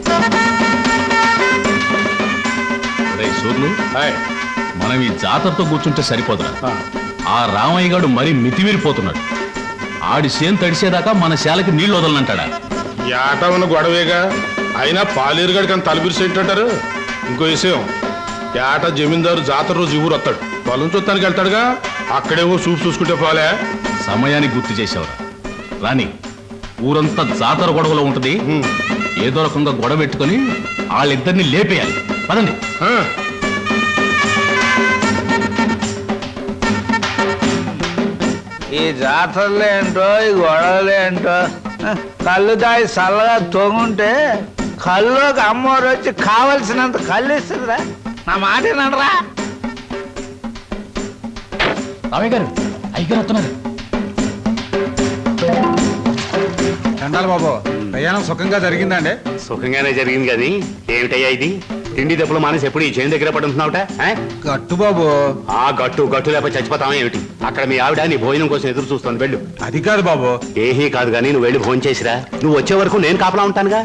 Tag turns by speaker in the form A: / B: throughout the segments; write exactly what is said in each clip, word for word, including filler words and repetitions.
A: మనం ఈ జాతరతో కూర్చుంటే సరిపోదురా. ఆ రామయ్య గారు మరీ మితిమీరిపోతున్నాడు. ఆడి సేను తడిసేదాకా మన శాలకి నీళ్లు వదలనంటాడా?
B: ఏటా ఉన్న గొడవేగా. అయినా పాలేరుగాడికి అంత తలబిరిసేంటారు. ఇంకో విషయం, ఏట జమీందారు జాతర రోజు ఊరు వస్తాడు. పొలం చూస్తానికి వెళ్తాడుగా, అక్కడేవో చూపు చూసుకుంటే పోలే.
A: సమయానికి గుర్తు చేసావురా. రాని ఊరంతా జాతర గొడవలో ఉంటది. ఏదో రకంగా గొడవ పెట్టుకుని వాళ్ళిద్దరిని లేపేయాలి. పదండి.
C: ఈ జాతరలు ఏంటో, ఈ గొడవలు ఏంటో, కళ్ళు దాయి చల్లగా తొంగుంటే కళ్ళుకి అమ్మవారు వచ్చి కావలసినంత కళ్ళు ఇస్తుందిరా. నా మాట ఏనరా?
A: రామయ్య గారు, అయ్యగారు వస్తున్నారు.
D: చండాలి బాబు, ప్రయాణం సుఖంగా జరిగిందండి?
E: సుఖంగానే జరిగింది. కానీ ఏమిటయ్యా ఇది? తిండి దెబ్బలు మానేసి ఎప్పుడు ఈ చేను దగ్గర పడుతున్నావుట?
D: గట్టు బాబు.
E: ఆ గట్టు గట్టు లేకపోతే చచ్చిపోతావా ఏమిటి? అక్కడ మీ ఆవిడ నీ భోజనం కోసం ఎదురు చూస్తుంది. వెళ్ళు.
D: అది కాదు బాబు.
E: ఏహీ కాదు కానీ నువ్వు వెళ్ళి భోజనం చేసిరా. నువ్వు వచ్చే వరకు నేను కాపలా ఉంటానుగా.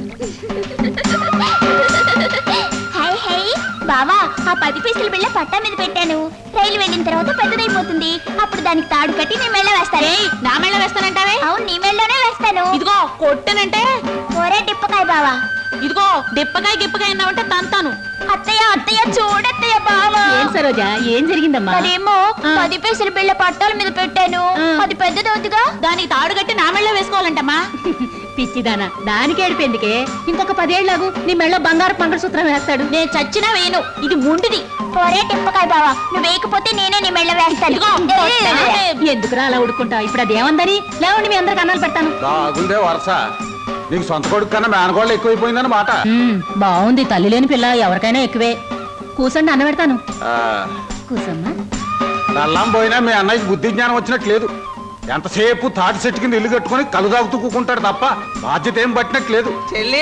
F: బావా, ఆ పది పైసలు బిళ్ళ పట్టా మీద పెట్టాను. రైలు వెళ్ళిన తర్వాత పెద్దదైపోతుంది. అప్పుడు దానికి తాడు కట్టి నీ మెళ్ళ వేస్తాను. నా మెళ్ళ వేస్తానంటావే? అవును, నీ మెళ్ళలోనే వేస్తాను. ఇదిగో కొట్టనంటే ఒరే డిప్పకాయ బావా. ఇదిగో డిప్పకాయ గిప్పకాయ అన్నావంటే తంతాను. అత్తయ్య అత్తయ్య చూడత్తయ్య బావా. ఏం సరోజా, ఏం జరిగిందమ్మా? అదేమో పది పైసలు బిళ్ళ పట్టాల మీద పెట్టాను. అది పెద్దదవుతుగా, దానికి తాడు కట్టి నా మెళ్ళ వేసుకోవాలంటమ్మా. పిచ్చిదానా, దానికి ఏడిపోయిందికే. ఇంకొక పదేళ్లకు నీ మెళ్ళ బంగారు మంగళసూత్రం వేస్తాడు. నేను చచ్చినా వేయను. ఇది ముండిది. ఒరే టిప్పకాయ బావా, నువ్వు వేయకపోతే నేనే నీ మెళ్ళ వేస్తాను. ఎందుకురా అలా ఉడుకుంటా? ఇప్పుడు అది ఏమందని లేవండి, మీ అందరికి అన్నాలు పెడతాను.
D: బాగుందే వరస. నీకు సొంత కొడుకు కన్నా మేనగోళ్ళు ఎక్కువైపోయిందని మాట.
F: బాగుంది, తల్లి లేని పిల్ల ఎవరికైనా ఎక్కువే. కూసండి, అన్న పెడతాను. కూసమ్మా.
D: నల్లం పోయినా మీ అన్నయ్యకి బుద్ధి జ్ఞానం వచ్చినట్లేదు. ఎంతసేపు తాటి చెట్టు కింద ఇల్లు కట్టుకుని కలు తాగుతూ కూకుంటాడు తప్ప బాధ్యత ఏం పట్టినట్లేదు.
C: చెల్లి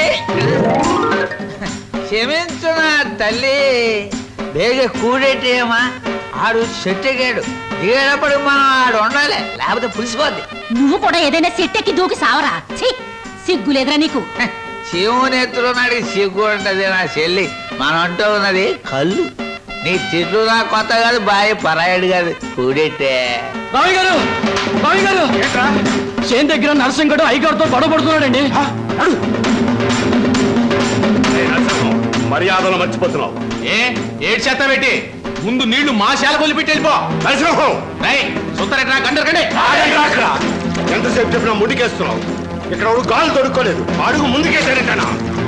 C: క్షమించు నా తల్లి. బేగ కూడేటేమా, ఆడు చెట్టెగాడు. దిగేటప్పుడు మనం ఆడు ఉండాలి, లేకపోతే పులిసిపోద్ది.
F: నువ్వు కూడా ఏదైనా చెట్టెక్కి దూకి సావరా. సిగ్గు లేదురా నీకు?
C: శివుని ఎత్తులో నాడికి సిగ్గు ఉంటది నా చెల్లి. మనం అంటూ ఉన్నది కళ్ళు. నీ తిట్లు నా కొత్త కాదు, బాయ్ పరాయడు కాదు. కూడెట్టే
G: రావి గారు, రావి గారు, చేను దగ్గర నరసింహుడు అయ్యగారితో గొడవ పడుతున్నాడండి.
E: మర్యాదలు మర్చిపోతున్నావు.
A: ఏ ఏడు చేత పెట్టి ముందు నీళ్లు మా శాల కొలిపెట్టి వెళ్ళిపో. సుత్తరెట్రా గండరకండి.
E: ఎంతసేపు చెప్పినా ముడికేస్తున్నావు. ఇక్కడ గాలు దొరుకోలేదు. అడుగు ముందుకేసాడేటనా?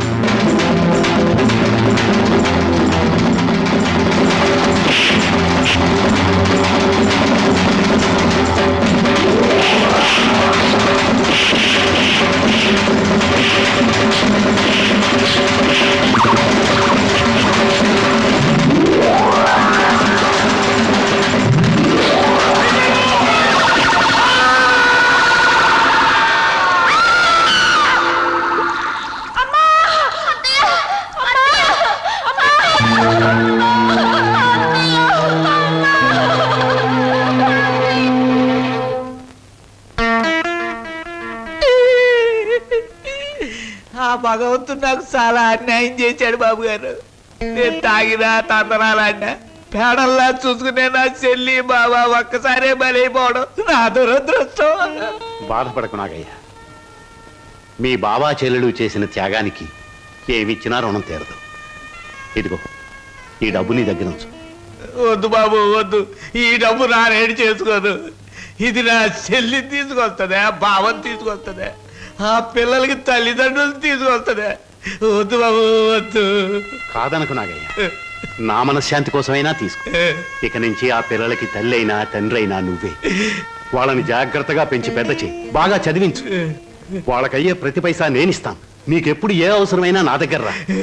C: ఆ భగవంతుడు నాకు చాలా అన్యాయం చేశాడు బాబు గారు. నేను తాగినా తందనాలన్నా పేడల్లా చూసుకునే నా చెల్లి బాబా ఒక్కసారే బలైపోవడం నా దురదృష్టం.
E: బాధపడకు నాగయ్య. మీ బాబా చెల్లెలు చేసిన త్యాగానికి ఏమిచ్చినా రుణం తీరదు. ఇదిగో ఈ డబ్బు నీ దగ్గర ఉంచు.
C: వద్దు బాబు వద్దు, ఈ డబ్బు నా రేడి చేసుకోదు. ఇది నా చెల్లి తీసుకొస్తుందా, బావని తీసుకొస్తుందా, ఆ పిల్లలకి తల్లిదండ్రులు తీసుకొస్తుందా? వద్దు బాబు వద్దు.
E: కాదనకు నాగయ్య, నా మనశ్శాంతి కోసమైనా తీసుకో. ఇక నుంచి ఆ పిల్లలకి తల్లి అయినా తండ్రి అయినా నువ్వే. వాళ్ళని జాగ్రత్తగా పెంచి పెద్ద చేయి, బాగా చదివించు. వాళ్ళకయ్యే ప్రతి పైసా నేనిస్తాను. నీకెప్పుడు ఏ అవసరమైనా నా దగ్గర రా.